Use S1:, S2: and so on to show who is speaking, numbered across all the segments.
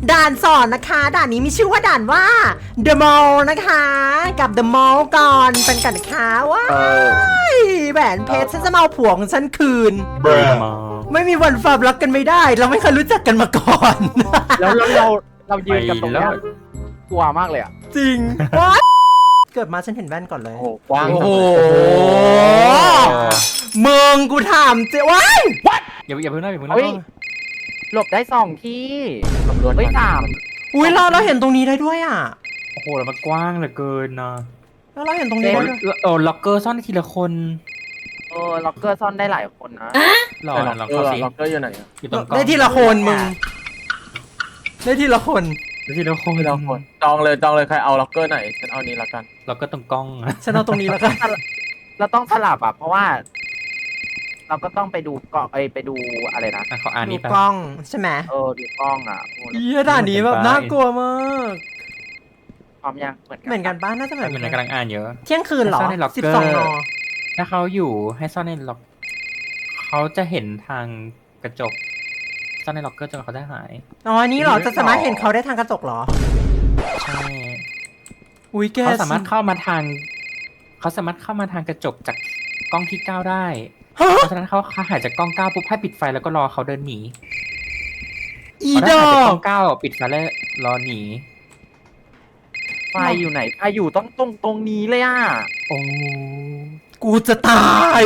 S1: ด่านสอนนะคะด่านนี้มีชื่อว่าด่านว่า The Mall นะคะกับ The Mall ก่อนเป็นกันนะคะว้ายแหวนเพชรฉันจะมาเอาผัวของฉันคืน ไม่มีวันฝากรักกันไม่ได้ เราไม่เคยรู้จักกันมาก่อน
S2: แล้วเรายืนกันตรงนี้กลัวมากเลยอ่ะ
S1: จริงว้าเกิดมาฉันเห็นแว่นก่อนเลย
S2: โอ้กว้าง
S1: โอ้โหมึงกูถามเจ๊ว้าย
S3: อย่าเพิ่งนะอย่าเพิ่ง
S2: เฮ้ย
S3: นะ
S2: หลบได้2 ที่ตำรวจเฮ้ย3
S1: อุ้ยเราเห็นตรงนี้ได้ด้วยอ่ะ
S3: โอ้โหแล้วมันกว้างเหลือเกินนะ
S1: แล้วเราเห็นตรงนี้ได้ด้วย
S3: ล็อกเกอร์ซ่อนทีละคน
S2: ล็อกเกอร์ซ่อนได้หลายคนนะ
S3: หล่อลองเข้าสิ
S2: ล็อกเกอร์อยู่ไหน
S3: อยู่ตรงกล้อง
S1: ได้ทีละคนมึงได้ทีละคน
S3: ได้ทีละคน
S2: ไม่ต้องคนจองเลยใครเอาล็อกเกอร์ไหนฉันเอานี้ละกัน
S3: ล็อกเกอร์ตรงกล้อง
S1: ฉันเอาตรงนี้แล้วกัน
S2: เราต้องสลับอ่ะเพราะว่า เราก็ต้องไปดูเกาะไปดูอะไรนะ
S3: เขาอ่าน
S1: ดู
S3: นี่ไป
S1: กล้องใช่ไหม
S2: ดูกล้องอ่ะ
S1: เฮียด่านนี้แบบน่ากลัวมาก
S2: พร้อมยัง
S1: เหมือนกันป้าน่าจะเหมือน
S3: เหมือน
S1: กัน
S3: กำลังอ่านเยอะ
S1: เที่ยงคืนเหรอ
S3: ซ่อนในล็อกเกอร์
S1: 12 น.
S3: ถ้าเขาอยู่ให้ซ่อนในล็อกเขาจะเห็นทางกระจกซ่อนในล็อกเกอร์จนเขาได้หาย
S1: อ๋ออันนี้เหรอจะสามารถเห็นเขาได้ทางกระจกเหรอ
S3: ใช่
S1: อุ้ยแก
S3: เขาสามารถเข้ามาทางกระจกจากกล้องที่9ได้
S1: ฮะ
S3: เพราะฉะนั้นเขาหายจากกล้อง9ปุ๊บให้ปิดไฟแล้วก็รอเขาเดินหนี
S1: อี
S3: พอ
S1: ด
S3: ได้
S1: อ
S3: หายจากกล้
S1: ก
S3: อง9ปิดไฟแล้วรอหนี
S2: ไฟอยู่ไหนไฟอยู่ตรงนี้เลยอ่ะ
S3: โอ้
S1: กูจะตาย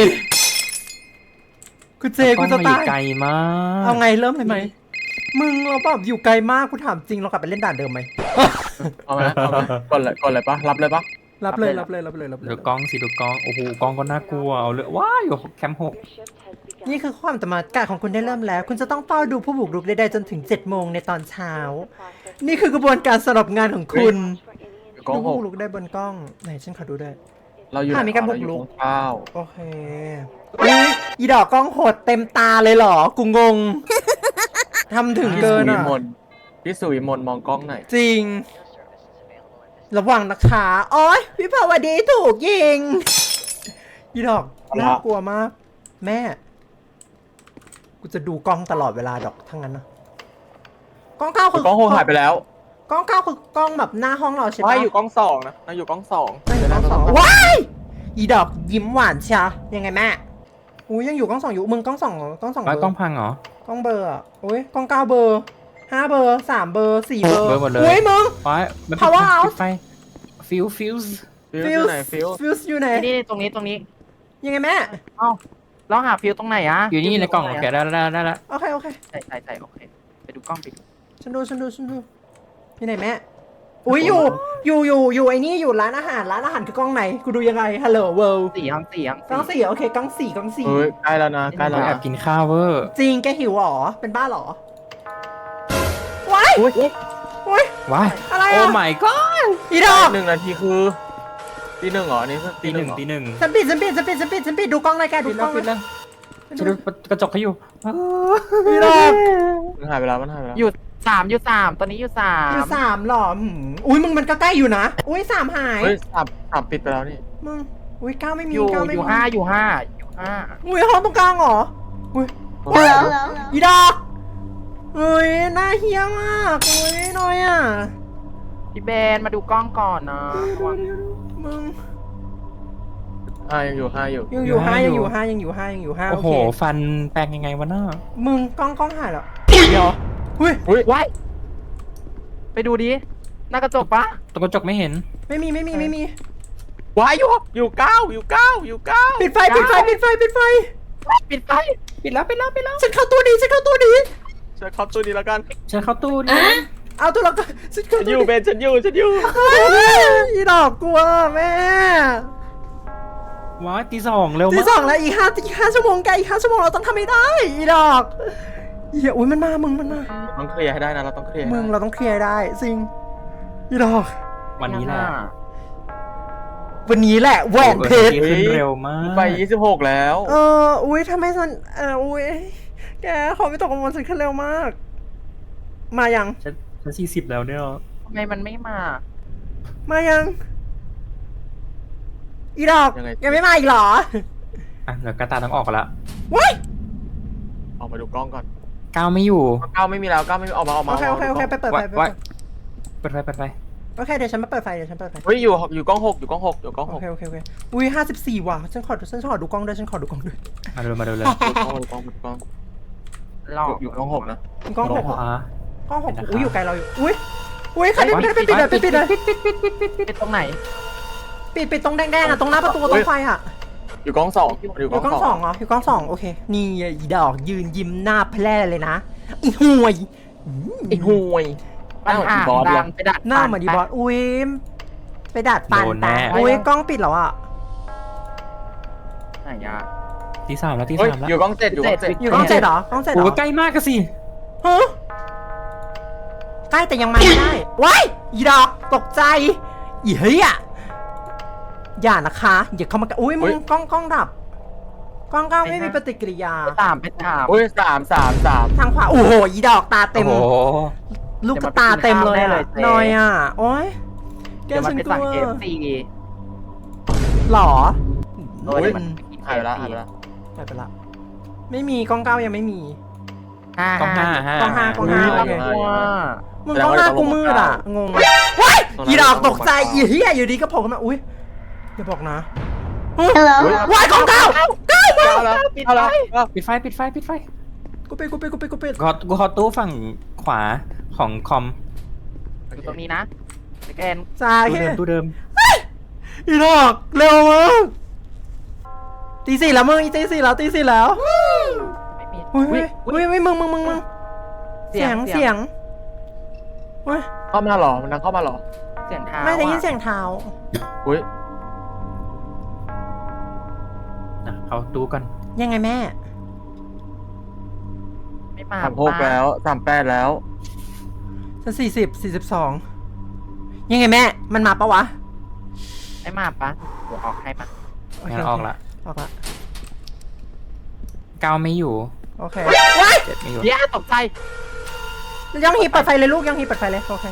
S1: กูเจกูจะ
S3: กล้องมันอ
S1: ตา
S3: ยู่
S1: ย
S3: ไกลมาก
S1: เอาไงเริ่มเลยไหมมึงเราแบบอยู่ไกลมากกูถามจริงเรากลับไปเล่นด่านเดิมไหม
S2: เอาไหมกดเลยปะรับเลยปะ
S1: รับเลย
S3: ดูกล้องสิดูกล้องโอ้โหกล้องก็น่ากลัวเอาเลยว้าอยู่แคมป์6
S1: นี่คือความจำกัดของคุณได้เริ่มแล้ว คุณจะต้องเฝ้าดูผู้บุกรุกใดๆจนถึง7 โมงในตอนเช้า นี่คือกระบวนการสำหรับงานของคุณ
S2: กล้อ
S1: ดู
S2: ง
S1: ผู้
S2: 6
S1: บุกรุกได้บนกล้องไหนฉันขอดูด้วย
S2: เราอยู่
S1: มีการบุกรุก
S2: ข้าว
S1: โอเคอุ๊ยอีดอกกล้องโหดเต็มตาเลยเหรอ กูงง ทำถึงเกินอ่ะ
S2: พี่สุวิมลมองกล้องไหน
S1: จริง ระวังนะคะโอ้ยวิภาวดีถูกยิง อีดอกน่ากลัวมาก แม่ กูจะดูกล้องตลอดเวลาดอกทั้งนั้นนะกล้องเก้าคือก
S2: ล้อง6หายไปแล้ว
S1: กล้องเก้าคือกล้องแบบหน้าห้องเราใช่ปะ
S2: ว่าอยู่กล้อง2นะเราอยู่กล้อง2
S1: ไม่อยู่กล้องสองว้ายอีดอกยิ้มหวานเชียยังไงแม่อุ้ยยังอยู่กล้องสองอยู่มึงกล้องสองเหรอกล้องสองเบ
S3: แล้
S1: อ
S3: ว
S1: ร์
S3: กล้องพังเหรอ
S1: กล้องเบอร์อ่ะโอ้ยกล้อง9 เบอร์ 5 เบอร์ 3 เบอร์ 4 เบอร์
S3: เบอร์หมดเลย
S1: อุ้ยมึง
S3: ว้ายมัน
S1: Power House
S3: ปิดไฟฟิว
S2: ฟิวอยู่ไหนฟิว
S1: ฟิวส์อยู่ไหน
S2: นี่ตรงนี้
S1: ยังไงแม่
S2: เอ้าเราหาฟิวตรงไหนอะ
S3: อยู่นี่ในกล่องโอเคได้แล้ว
S1: โอเคโอเค
S2: ใช่โอเคไปดูกล้องไปดู
S1: ฉันดูอยู่ไหนแม่อุ้ยอยู่ไอ้นี่อยู่ร้านอาหารคือกล้องไหนกูดูยังไงฮัลโหลเวิลด์
S2: 4 ห้อง
S1: กล้อง4โอเคกล้อง4
S2: เฮ้ยใกล้แล้วนะใกล้แล้ว
S3: แอบกินข้าวเวอร์
S1: จริงแกหิวเหรอเป็นบ้าเหรอว้าย
S2: อุ้ย
S1: อุ้ย
S3: ว้าย
S1: อะไร
S3: โอ้
S1: อ่ะ
S3: my god
S1: อีดอก
S2: 1 นาทีคือตี 1เหรออันนี้คือ
S3: ตีหนึ่ง
S2: เหรอ
S1: ฉันปิดดูกล้องเลยแกดู
S3: ปิด
S1: ก
S3: แล้
S1: ล้
S3: ว
S1: อง
S3: ปิดแล้วจะดูกระจกเขาอยู่
S1: อีดอก
S2: มันหายไปแล้วมันหายไปแล้ว
S3: อยู่3ตอนนี้อยู่
S1: อยู่
S3: 3
S1: 3หรออุ้ยมึงมันก็ใกล้อยู่นะอุ้ย3หาย
S2: เฮ้ยสามปิดไปแล้วนี่
S1: มึงอุ้ย9ไม่มี
S2: อยู่
S1: 9ไม่
S2: อ
S1: มี
S2: ยู่5อยู่5
S1: อุ้ยห้องตรงกลางเหรออุ้ยอีดอกอุ้ยน่าเฮี้ยมากอุ้ยน้อยอ่ะ
S2: พี่เบนมาดูกล้องก่อนนะระวัง
S1: มึง
S2: ยังอยู่5อยู่
S1: ยังอยู่ห้า
S3: โอ้
S1: โอ
S3: โห
S1: เค
S3: ฟันแปลงยังไงวะน้า
S1: มึงกล้องหายแล้วเดี๋ยวอุ้ย
S2: อุ้ยไว้ไปดูดิหน้ากระจกปะ
S3: ตรงกระจกไม่เห็น
S1: ไม่มี
S2: ว้ายอยู่9
S1: ปิดไฟ
S2: ปิดไฟ
S3: ปิดแล้ว
S1: ฉันเข้าตู้ดี
S2: ช่วยเข้าตัวนี้แล้วกัน
S3: ฉันเข้าตู้ดิ
S1: เอาตัวละก็ฉันเข้า
S2: ฉันอ
S1: ตู้
S2: ยู่เบนฉันอยู่
S1: อีดอกกลัวแม่
S3: ว้ายตี 2เร็ว
S1: ที่
S3: มาก
S1: สองแล้วอีก5 ชั่วโมงแกอีก5 ชั่วโมงเราต้องทำให้ได้อีดอกเหี้ยอุ้ยมันมา
S2: ต้องเคลียร์ให้ได้นะเราต้องเคลียร์
S1: มึงเราต้องเคลียร์ได้จริงอีดอก
S3: วันนี้แหละ
S1: วันนี้แหละแหวนเพชร
S3: ขึ้นเร็วมาก
S2: ไป26แล้ว
S1: อุ้ยทำไมฉันอุ้ยแกขอไม่ตกกังวลฉันขึ้นเร็วมาก มายัง
S3: ฉัน40แล้วเนี่ย
S2: ทำไมมันไม่มา
S1: มายัง อีดอกยังไม่มาอีกเหรอ
S3: อ่ะเดี๋ยวกระตาต้องออกกันละ
S1: ว้าย
S2: ออกมาดูกล้องก่อน
S3: ก้าวไม่อยู่
S4: ก้าวไม่มีแล้วก้าวไม่มีออกมา
S1: โอเคโอเคโอเคไปเปิดไฟ
S3: ไว้เปิดไฟเปิดไฟ
S1: โอเคเดี๋ยวฉันมาเปิดไฟเดี๋ยวฉันเปิดไฟ
S4: เฮ้ยอยู่กล้องหกอยู่กล้องหกอยู่กล้อง
S1: โอ
S4: หก
S1: เคโอเคโอเคอุ้ย54ว่ะฉันขอดูกล้องด้วยฉันขอดูกล้องด้วย
S3: มาดูเลย
S4: กล้อง
S2: รอ
S4: อยู่กล้องหกนะ
S1: กล้องหก
S3: ขวาก
S1: ล้องหกอุ้ยอยู่ไกลเราอยู่อุ้ยใครปิดเลยปิดเลย
S2: เป็นตรงไหน
S1: ปิดตรงแดงๆอ่ะตรงหน้าประตูตรงไฟอ่ะ
S4: อยู่กล้องสองอยู่
S1: อยู่
S4: ก
S1: กล้
S4: ล้
S1: อ
S4: อง ง
S1: ส
S4: ส
S1: อ
S4: อง ง
S1: เหรออยู่กล้องสองโอเคนี่อีดอกยืนยิ้มหน้าแพร่เลยนะอีห่วย
S4: ไอ้ห่วย
S2: ปัญหา
S4: บอส
S2: ดังไปดัด
S1: หน้าเหมือนดีบอสอุ้ยไปดัดปัน
S3: โดนแน่
S1: อุ้ยกล้องปิดแล้วอ่ะ
S2: ไหนยา
S3: ที่3แล้วที่
S4: เฮ้ย
S3: 3แล้ว
S4: อยู่กล้อง7อยู่กล้อง7
S1: อยู่กล้อง7เหรอกล้อง7เหร
S3: โอ้
S1: อ
S3: ใกล้มากก็สิ
S1: ฮะใกล้แต่ยังมาไม่ได้ว้ายอีดอกตกใจอีเฮ้ยอ่ะอย่านะคะอย่าเข้ามาอุ้ยมึงกล้องดับกล้องไม่มีปฏิกิริยา
S2: ไปตาม
S4: อุ้ย3
S1: ทางขวาโอ้โหอีดอกตาเต็ม
S3: โอ้โห
S1: ลูกกระตาเต็มเลยอะนอยอ่ะโอ๊ยแก
S2: เดี๋ยวมัน
S1: ฉัน
S2: ไป
S1: ก
S2: สั่ง
S1: ลัว
S2: KFC
S1: หรอ
S2: โอ้ยมัน
S4: หายไปแล้วหายไปแล้ว
S1: หายไปละไม่มีกล้องเก้ายังไม่มี
S3: กล้องห้า
S1: กล้องห้ากล้องห้า
S4: โอ
S1: โอ
S4: เค
S1: เค
S2: กลัว
S1: มึงกล้องห้ากูมืดอ่ะงงว้ายอีดอกตกใจอีเหี้ยอยู่ดีก็โผล่ขึ้นมาอุ้ยอย่าบอกนะว้ายกล้องเก้าเก้ามา
S4: เอาแล้วเอาแล้ว
S3: ปิดไฟปิดไฟ
S1: กูปิด
S3: กูขอตู้ฝั่งขวาของคอม
S2: อยู่ตรงนี้นะสแกน
S1: จ้า
S3: ตู้
S1: แค่
S3: เดิม
S1: อีดอกเร็วมากตีสี่แล้วมึงตีสี่แล้ว
S2: ไม่มี
S1: อุ้ยมึงเสียงเฮ้ย
S4: เข้ามาหรอมันนั่งเข้ามาหรอ
S2: เสียงเท้า
S1: ไม่ได้ยินเสียงเท้า
S4: อุ้ย
S3: เอาตู้กัน
S1: ยังไงแม่
S2: ไม่มา
S4: 36แล้ว38แล้ว
S1: ฉัน42ยังไงแม่มันมาปะวะ
S2: ไม่มาปะเดี๋ยวออกให้ปะ
S3: งั้นออกละ
S1: ออกละ
S3: ก้าวไม่อยู่
S1: โอเคว้าย
S3: 7ไม่อยู่
S2: เดี๋ยวตกใจ
S1: ยังฮีเปิดไฟเลยลูกยังฮีเปิดไฟเลยโอเค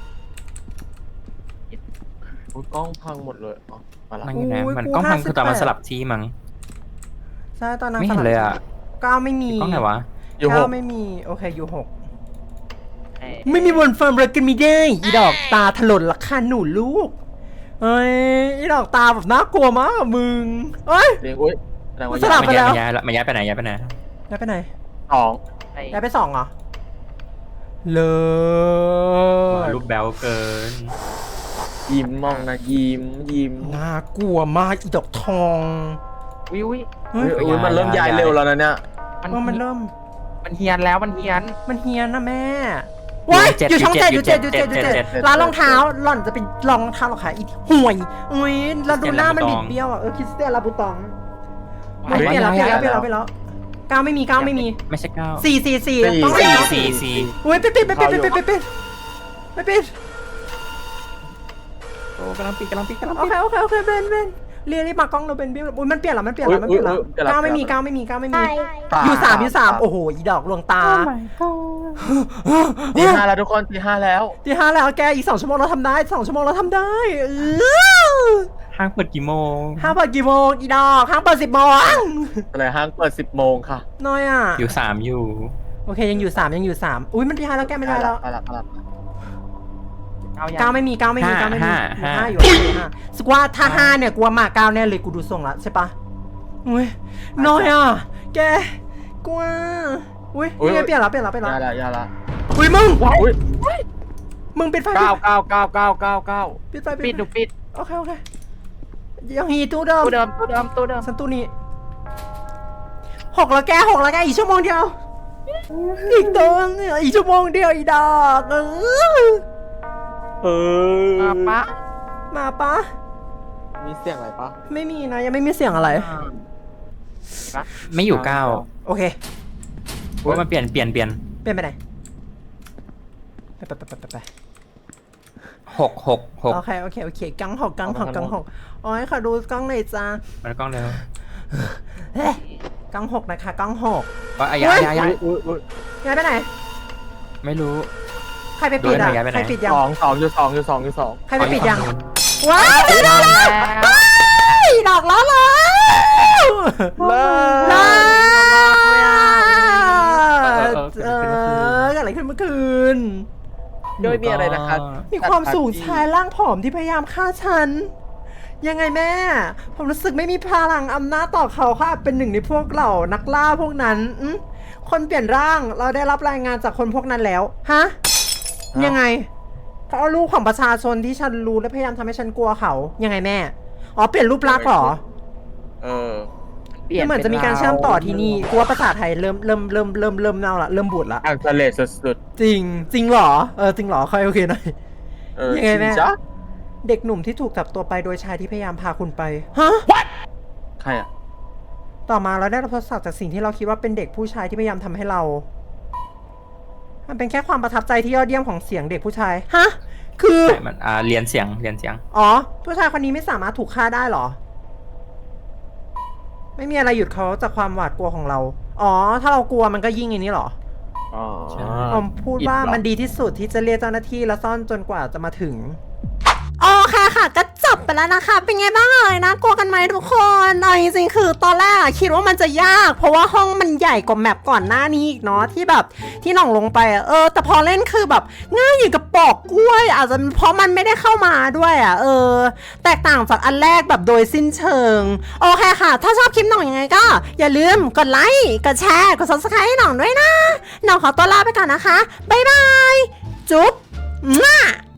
S4: อุ้ยกล้องพังหมดเลยอ๋อมาละ
S3: นั่งอยู่นะมันกล้องพังคือตอนมันสลับที่มั้ง
S1: ใช่ตอนนั้น
S3: ไม่เห็นเลยอ่ะ
S1: ก้าวไม่มี
S3: กล้องไหนวะ
S4: อยู่ห
S1: ก้าก วไม่มีโอเคอยู่6
S2: เอ้ย
S1: ไม่มีวันเฟิร์มเลยกันไม่ได้อีดอกตาถลนละค่ะหนูลูกเอ้ยอีดอกตาแบบน่ากลัวมากอะมึงเอ้ย
S4: เรียงอุ้ยแสดงว่า
S1: สลับ
S3: มันย้ายไปไหน
S1: ย้ายไปไหน
S4: สอง
S2: ไอ้
S1: ย้ายไป2เหรอเล
S3: รูปแบลเกิน
S4: ยิ้มมองนะยิ้ม
S1: น่ากลัวมากอีดอกทอง
S2: วิว
S1: เฮ้ย
S4: อุ้ยมันเริ่มย้ายเร็วแล้วนะเนี่ย
S1: มันเริ่ม
S2: มันเฮียนแล้วมันเฮียน
S1: มันเฮียนนะแม่ว้ายอยู่ช่อง7อยู่ร้านรองเท้าหล่อนจะเป็นรองเท้าหรอคะอีห่วยอุ้ยแล้วดูหน้ามันบิดเบี้ยวอ่ะคริสเตียนลาบูตองไม่เปลี่ยนแล้วก้าวไม่มี
S3: ไม่ใช่ก้าว
S1: 4ต้อง
S3: 4
S1: อุ้ยปิดไม่ปิด
S3: โอ้กำลังปิด
S1: โอเคเบนรีบมากล้องเราเบนบิ้วอุ้ยมันเปลี่ยนแล้วก้าวไม่มีอยู่3โอ้โหอีดอกลวงตา
S4: ตีห้าแล้วทุกคนตีห้าแล้ว
S1: ที่5แล้วแกอีก2 ชั่วโมงเราทำได้2 ชั่วโมงเราทำได้
S3: ห้างเปิดกี่โมง
S1: ห้างเปิดกี่โมงอีดอกห้างเปิด10 โมง
S4: อะไรห้างเปิด10 โมงค่ะ
S1: น้อยอ่ะ
S3: อยู่3อยู่
S1: โอเคยังอยู่3อุ้ยมันที่5แล้วแกไม่ได้แล้ว
S4: ไปละ
S1: ก้าวไม่มี5อยู่สกว่าถ้า5เนี่ยกูว่ามา9แน่เลยกูดูทรงละใช่ปะอุ้ยน้อยอ่ะแกกลัวอุ้ยนี่เปลี่ยนแล้ว
S4: ยาละ
S1: อุ้ยมึง
S4: อุ้ย
S1: มึงปิดไฟ
S4: 9
S1: ปิดไฟ
S2: ปิดดูปิด
S1: โอเคยังฮีตู้เดิม
S2: ตู้เดิม
S1: สันตู้นี้6แล้วแกอีกชั่วโมงเดียวอีกตัวเนี่ยอีกชั่วโมงเดียวอีดอกมาปะ
S4: มีเสียงอะไรปะ
S1: ไม่มีนะยังไม่มีเสียงอะไร
S3: ไม่อยู่ก้าว
S1: โอเค
S3: ว่ามันเปลี่ยน
S1: เป็นไปไหนไป
S3: 6
S1: โอเคกังหกโอ้ยขอดูกล้องหน่อยจ้า
S3: มันกล้องเร็ว
S1: กัง6นะคะกัง6
S3: ก็ย้าย
S1: ย้ายไปไหน
S3: ไม่รู้
S1: ใครไปปิดอ่ะ
S3: ย้ายไปไหน
S1: ใครปิดยัง
S4: 2อยู่
S1: ใครไปปิดยังว้ายดอกล้อเลย
S4: เลิ
S1: เลิน
S4: โดยมีอะไรนะคะ
S1: มีความสูงชายร่างผอมที่พยายามฆ่าฉัน ยังไงแม่ ผมรู้สึกไม่มีพลังอำนาจต่อเขาค่ะเป็นหนึ่งในพวกเหล่านักล่าพวกนั้นคนเปลี่ยนร่างเราได้รับรายงานจากคนพวกนั้นแล้ว ฮะ ยังไงเขาเอารูปของประชาชนที่ฉันรู้และพยายามทำให้ฉันกลัวเขา ยังไงแม่ อ๋อเปลี่ยนรูปลักษณ์เหรอ
S4: เออ
S2: เปลี่ยน
S1: เหมือนจะมีการเชื่อมต่อที่นี่กลัวภาษาไทยเริ่มเน่าละเริ่มบูดละ
S4: อังทะเลสุด
S1: จริงเหรอ จริงเหรอค่อยโอเคหน่อย
S4: ๆเออ
S1: ยังไงแม่
S4: จริจ๊ะ
S1: เด็กหนุ่มที่ถูกจับตัวไปโดยชายที่พยายามพาคุณไป ฮะ
S4: ใครอ่ะ
S1: ต่อมาเราได้รับทดสอบจากสิ่งที่เราคิดว่าเป็นเด็กผู้ชายที่พยายามทำให้เรา มันเป็นแค่ความประทับใจที่ยอดเยี่ยมของเสียงเด็กผู้ชาย ฮะ คือ
S3: ใช่มันเรียนเสียง
S1: อ๋อ ผู้ชายคนนี้ไม่สามารถถูกฆ่าได้เหรอ ไม่มีอะไรหยุดเขาจากความหวาดกลัวของเรา อ๋อ ถ้าเรากลัวมันก็ยิ่งอย่างนี้เหรอ
S4: อ๋อ
S3: ใช่
S1: ผมพูดว่า
S3: อิดเหรอ
S1: มันดีที่สุดที่จะเรียกเจ้าหน้าที่และซ่อนจนกว่าจะมาถึง โอเคค่ะก็จบไปแล้วนะคะ เป็นไงบ้างเอ่ยนะกลัวกันไหมทุกคนเอาจริงๆคือตอนแรกอะคิดว่ามันจะยาก เพราะว่าห้องมันใหญ่กว่าแมปก่อนหน้านี้อีกเนาะที่แบบที่หน่องลงไปอะแต่พอเล่นคือแบบง่ายอย่างกับปอกกล้วย อาจจะเพราะมันไม่ได้เข้ามาด้วยอะแตกต่างจากอันแรกแบบโดยสิ้นเชิงโอเคค่ะ ถ้าชอบคลิปหน่องยังไงก็ อย่าลืมกดไลค์กดแชร์กด subscribe ให้หน่องด้วยนะหน่องขอตัวลาไปก่อนนะคะบ๊ายบายจุ๊บ